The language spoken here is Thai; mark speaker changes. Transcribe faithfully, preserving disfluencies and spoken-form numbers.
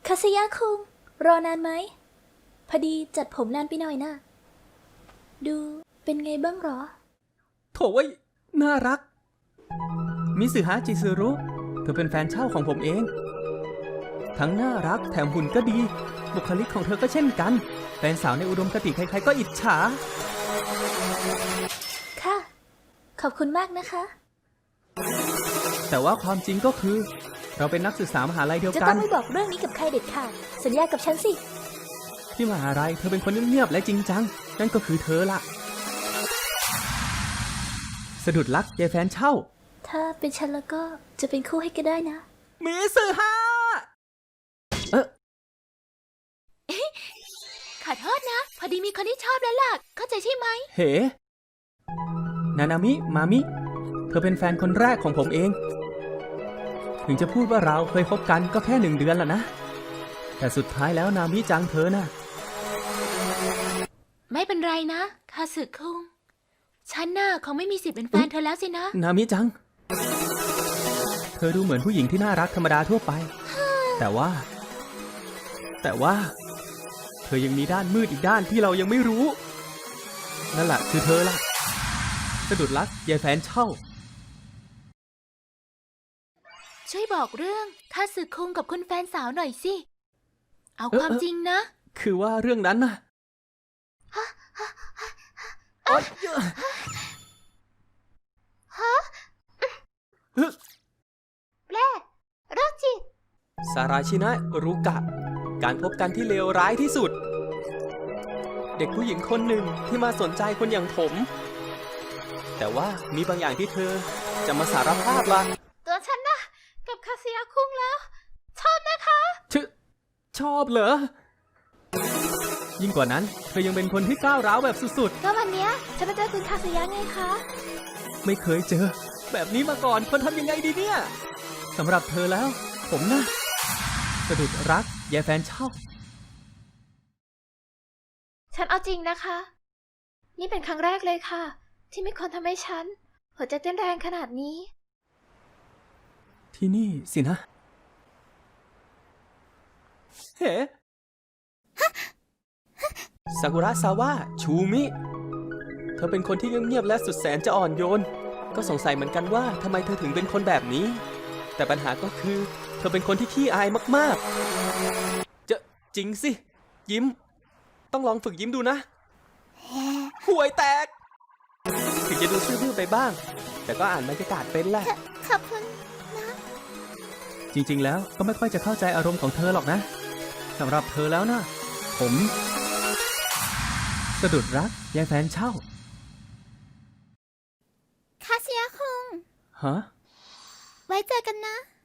Speaker 1: คาสยะคุงรอนานไหมพอดีจัดผมนานไปหน่อยนะดูเป็นไงบ้างหรอ
Speaker 2: โถเว้ยน่ารักมิสึฮะจิซึรุเธอเป็นแฟนเช่าของผมเองทั้งน่ารักแถมหุ่นก็ดีบุคลิกของเธอก็เช่นกันแฟนสาวในอุดมคติใครๆก็อิจฉา
Speaker 1: ค่ะขอบคุณมากนะคะ
Speaker 2: แต่ว่าความจริงก็คือเราเป็นนักศึกษามหาลัยเดียว
Speaker 1: จะ
Speaker 2: กัน
Speaker 1: ต้องไม่บอกเรื่องนี้กับใครเด็ดขาดสัญญากับฉันสิ
Speaker 2: ที่มหาลัยเธอเป็นคนเงียบๆและจริงจังนั่นก็คือเธอละสะดุดรักยายแฟนเช่า
Speaker 1: ถ้าเป็นฉันแล้วก็จะเป็นคู่ให้ก็ได้นะ
Speaker 2: มิสึฮะเอ๊ะ
Speaker 1: ขอโทษนะพอดีมีคนที่ชอบแล้วล่ะเข้าใจใช่ไหม
Speaker 2: เฮ้นานามิมามิเธอเป็นแฟนคนแรกของผมเองถึงจะพูดว่าเราเคยคบกันก็แค่หนึ่งเดือนแหละนะแต่สุดท้ายแล้วนามิจังเธอน่ะ
Speaker 1: ไม่เป็นไรนะคาสึคุงฉันน่ะคงไม่มีสิทธิ์เป็นแฟนเธอแล้วสินะ
Speaker 2: นามิจังเธอดูเหมือนผู้หญิงที่น่ารักธรรมดาทั่วไปแต่ว่าแต่ว่าเธอยังมีด้านมืดอีกด้านที่เรายังไม่รู้นั่นแหละคือเธอล่ะสะดุดรักยายแฟนเช่า
Speaker 1: ช่วยบอกเรื่องคาสึคุงกับคุณแฟนสาวหน่อยสิเอาความจริงนะ
Speaker 2: คือว่าเรื่องนั้นน่ะฮะ
Speaker 1: แปลโรคจิต
Speaker 2: ซาราชินะรุกะการพบกันที่เลวร้ายที่สุดเด็กผู้หญิงคนหนึ่งที่มาสนใจคนอย่างผมแต่ว่ามีบางอย่างที่เธอจะมาสารภาพล่ะ
Speaker 1: ตัวฉันนะกับคาสึยะคุงแล้วชอบนะคะ
Speaker 2: ชชอบเหรอยิ่งกว่านั้นเธอยังเป็นคนที่ก้าวร้าวแบบสุด
Speaker 1: ๆก็วันเนี้ยฉันไปเจอคุณคาสึยะไงคะ
Speaker 2: ไม่เคยเจอแบบนี้มาก่อนคนทำยังไงดีเนี่ยสำหรับเธอแล้วผมนะสะดุดรักยายแฟนเช่า
Speaker 1: ฉันเอาจริงนะคะนี่เป็นครั้งแรกเลยค่ะที่มีคนทำให้ฉันหัวใจเต้นแรงขนาดนี้
Speaker 2: ที่นี่สินะเฮ้ซากุระซาวะชูมิเธอเป็นคนที่เงียบๆและสุดแสนจะอ่อนโยนก็สงสัยเหมือนกันว่าทำไมเธอถึงเป็นคนแบบนี้แต่ปัญหาก็คือเธอเป็นคนที่ขี้อายมากๆจะจริงสิยิ้มต้องลองฝึกยิ้มดูนะห่วยแตกถึงจะดูซื่อๆไปบ้างแต่ก็อ่านบรรยากาศเป็นแหละ
Speaker 1: ขอบคุณนะ
Speaker 2: จริงๆแล้วก็ไม่ค่อยจะเข้าใจอารมณ์ของเธอหรอกนะสำหรับเธอแล้วนะผมสะดุดรักยายแฟนเช่า
Speaker 1: คาสึยะคุง
Speaker 2: ฮะ
Speaker 1: ไว้เจอกันนะ